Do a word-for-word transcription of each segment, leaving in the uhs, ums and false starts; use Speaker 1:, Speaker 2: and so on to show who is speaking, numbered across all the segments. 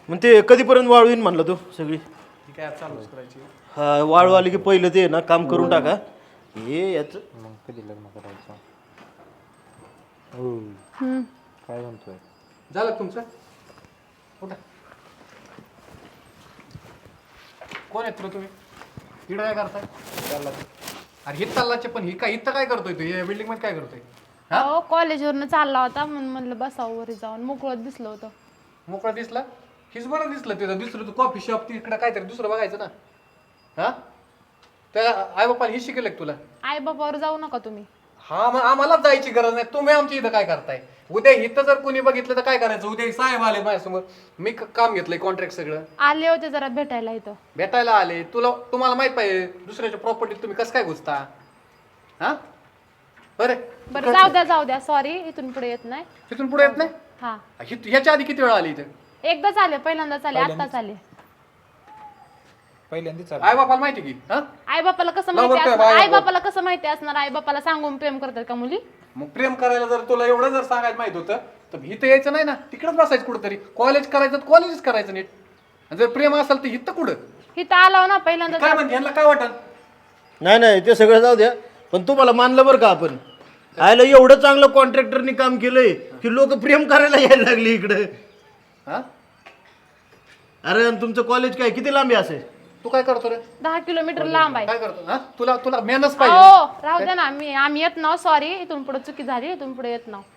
Speaker 1: मग ते कधीपर्यंत वाळवीन म्हणलं तू सगळी
Speaker 2: ती काय चालूच करायची.
Speaker 1: हा वाळू आली की पहिलं ते ना काम करून टाका हे याचं
Speaker 3: मग कधी लग्न करायचं? हो
Speaker 4: हम्म.
Speaker 3: काय म्हणतोय?
Speaker 2: झालं का तुमचं? उठा. कोण आहेत रे तुम्ही? इकडे काय करताय? चालला अरे हे चाललाचे पण ही काय इथं काय करतोय तू? या बिल्डिंग मध्ये काय करतोय? हा
Speaker 4: हो कॉलेजवरनं चालला होता म्हणून म्हणलं बसावं वरी जाऊन मोकळत दिसलं होतं.
Speaker 2: मोकळा दिसला? हीच बरं दिसलं तिथं दुसरं तू कॉफी शॉप तिकडे काहीतरी दुसरं बघायचं ना. हा त्या आई बाप्पा ही शिकले तुला?
Speaker 4: आई बाबावर जाऊ नका तुम्ही.
Speaker 2: हा मग आम्हालाच जायची गरज नाही. तुम्ही आमच्या इथं काय करताय? उद्या इथं जर कोणी बघितलं तर काय करायचं? उद्या साहेब आले माझ्यासमोर, मी क- काम घेतलंय कॉन्ट्रॅक्ट सगळं,
Speaker 4: आले होते जरा भेटायला इथं.
Speaker 2: भेटायला आले. तुला तुम्हाला माहित पाहिजे दुसऱ्याच्या प्रॉपर्टीत तुम्ही कसं काय घुसता? हा बरं
Speaker 4: बरं जाऊ द्या जाऊ द्या सॉरी इथून पुढे येत नाही.
Speaker 2: तिथून पुढे येत नाही?
Speaker 4: हा
Speaker 2: हि- ह्याच्या आधी किती वेळा आली इथं?
Speaker 4: एकदाच आले पहिल्यांदाच आले आत्ताच आले.
Speaker 3: पहिल्यांदाच
Speaker 2: आई बापाला माहिती की? हा
Speaker 4: आई बापाला कसं
Speaker 2: लावा
Speaker 4: माहिती
Speaker 2: बरं
Speaker 4: असणार?
Speaker 2: बाया
Speaker 4: आई
Speaker 2: बरं.
Speaker 4: बापाला कसं माहिती असणार? आई बापाला सांगून प्रेम करतात का मुली?
Speaker 2: मग प्रेम करायला जर तुला एवढं जर सांगायला माहित होतं तर इथं यायचं नाही ना, तिकडच बसायचं कुठंतरी. कॉलेज करायचं तर कॉलेजच करायचं नीट. आणि जर प्रेम असेल तर इथं कुठं?
Speaker 4: इथं आला ना पहिल्यांदाच.
Speaker 2: काय म्हणते यांना काय वाटत?
Speaker 1: नाही नाही ते सगळं जाऊ द्या पण तुम्हाला मानलं बरं का आपण आयला एवढं चांगलं कॉन्ट्रॅक्टरनी काम केलंय की लोक प्रेम करायला यायला लागली इकडे.
Speaker 2: हा
Speaker 1: अरे आणि तुमचं कॉलेज काय किती लांबी असेल?
Speaker 2: तू काय करतो रे?
Speaker 4: दहा किलोमीटर लांब आहे.
Speaker 2: काय करतो? हा तुला तुला मेहनत
Speaker 4: हो
Speaker 2: पाहिजे.
Speaker 4: राहू द्या ना मी आम्ही येत नाव सॉरी इथून पुढे चुकी झाली इथून पुढे येत नाव.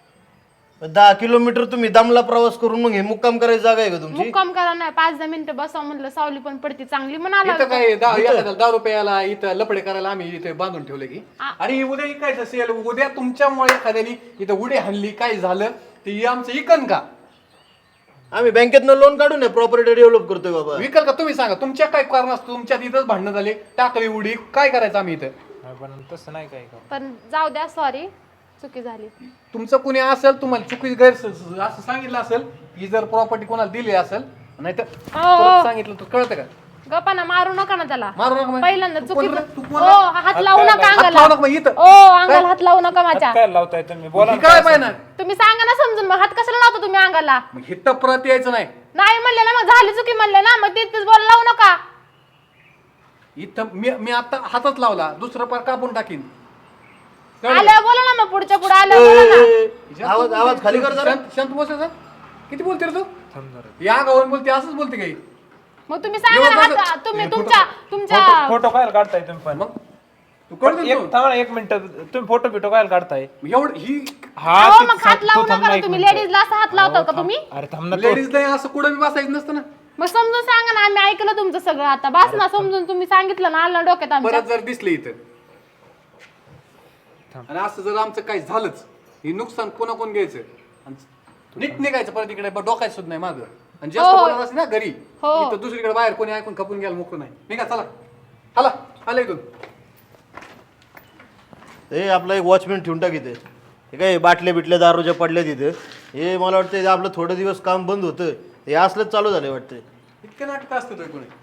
Speaker 1: दहा किलोमीटर तुम्ही दमला प्रवास करून मग हे मुक्काम करायची जागा आहे का तुमची?
Speaker 4: मुक्काम करा नाही पाच दहा मिनिटं बसावं म्हणलं सावली पण पडती चांगली म्हणाला.
Speaker 2: इथं काय दहा एखाद्याला दहा रुपयाला इथं लपडे करायला आम्ही इथे बांधून ठेवले की?
Speaker 4: आ-
Speaker 2: आणि उद्या इकायचं असेल, उद्या तुमच्यामुळे एखाद्यानी इथं उडी हल्ली काय झालं ते आमचं इकन का?
Speaker 1: आम्ही बँकेतनं लोन काढून प्रॉपर्टी डेव्हलप करतोय बाबा.
Speaker 2: विकल का? तुम्ही सांगा. तुमच्या काय कारण असतं? तुमच्या इथंच भांडणं झाले, टाकली उडी, काय करायचं आम्ही इथं?
Speaker 3: नाही, पण तसं नाही काय का.
Speaker 4: पण जाऊ द्या सॉरी चुकी झाली.
Speaker 2: तुमचं कुणी असेल तुम्हाला चुकी गैर असं सांगितलं असेल की जर प्रॉपर्टी कोणाला दिली असेल नाही तर
Speaker 4: हो.
Speaker 2: सांगितलं तर कळतं का?
Speaker 4: गप्पाना मारू नका ना त्याला.
Speaker 2: मारू नका म्हणजे.
Speaker 4: पहिल्यांदा
Speaker 2: तू
Speaker 4: चुकी
Speaker 2: कोण रे? तू कोण
Speaker 4: ओ
Speaker 2: रे?
Speaker 4: हात लावू नका
Speaker 2: हात
Speaker 4: अंगाला.
Speaker 2: लावू नका मग इथं.
Speaker 4: ओ अंगाला हात लावू नका माझ्या.
Speaker 3: काय लावताय तुम्ही? बोला
Speaker 2: ही
Speaker 3: ना
Speaker 2: काय
Speaker 3: काय
Speaker 2: पाहिजे ना?
Speaker 4: तुम्ही सांगा ना समजून मग हात कशाला लावता तुम्ही अंगाला?
Speaker 2: मग हिथं परत यायचं नाही.
Speaker 4: नाही म्हणले ना मग झाली चुकी म्हणले ना मग तिथेच बोल लावू नका.
Speaker 2: इथं मी मी आता हातच लावला, दुसरं पार कापून टाकीन. कळलं?
Speaker 4: आल्यावर बोला ना मग पुढच्या पुढे
Speaker 1: ए,
Speaker 4: आल्यावर बोला ना.
Speaker 1: ए, ए, आवाज आवाज खाली कर जरा.
Speaker 2: शांत शांत बस जरा. किती बोलते रे तू?
Speaker 3: थांब जरा.
Speaker 2: या गावावर बोलते असंच बोलते काही.
Speaker 4: मग तुम्ही सांगा ना
Speaker 2: एवढं
Speaker 4: हात
Speaker 2: कसं-
Speaker 4: तुम्ही
Speaker 2: हे
Speaker 4: तुमच्या
Speaker 3: फोटो
Speaker 4: तुमच्या
Speaker 3: फोटो काय काढताय तुम्ही पण?
Speaker 2: मग तू कळतो
Speaker 3: एक थांबा ना, एक मिनिट. तुम्ही फोटो बिटो काय काढताय?
Speaker 2: एवढं ही
Speaker 3: हा
Speaker 4: अहो,
Speaker 3: ते-
Speaker 4: मग हात
Speaker 3: तू
Speaker 4: लावू
Speaker 3: थांब
Speaker 4: नका
Speaker 3: ना
Speaker 4: ना
Speaker 3: एक
Speaker 4: तुम्ही
Speaker 3: मिनिट.
Speaker 4: लेडीजला असं हात लावता का तुम्ही?
Speaker 3: अरे थांब ना तू.
Speaker 2: लेडीज नाही असं कुठं बी बसायचं नसतं ना.
Speaker 4: मग समजून सांगा ना आम्ही ऐकलं तुमचं सगळं आता बस ना समजून तुम्ही सांगितलं ना आलं डोक्यात आमच्या.
Speaker 2: परत जर दिसले इथं आणि असं जर आमचं काही झालंच हे नुकसान कोणा कोण घ्यायचं आणि नीट निघायचं परत इकडे डोकायचं सुद्धा नाही मागं. आणि जास्त
Speaker 4: हो.
Speaker 2: बोलणार असेल ना घरी
Speaker 4: हो.
Speaker 2: इथं दुसरीकडे बाहेर कोणी ऐकून खपून घ्यायला मोकळं नाही. निघा चला. हला आलं इथून.
Speaker 1: हे आपला एक वॉचमॅन ठेवून टाक इथे. हे काय बाटल्या बिटल्या दारूच्या पडल्या तिथं. हे मला वाटतं आपलं थोडं दिवस काम बंद होतं हे असलंच चालू झालं वाटतं.
Speaker 2: इतके नाटक असतं कोणी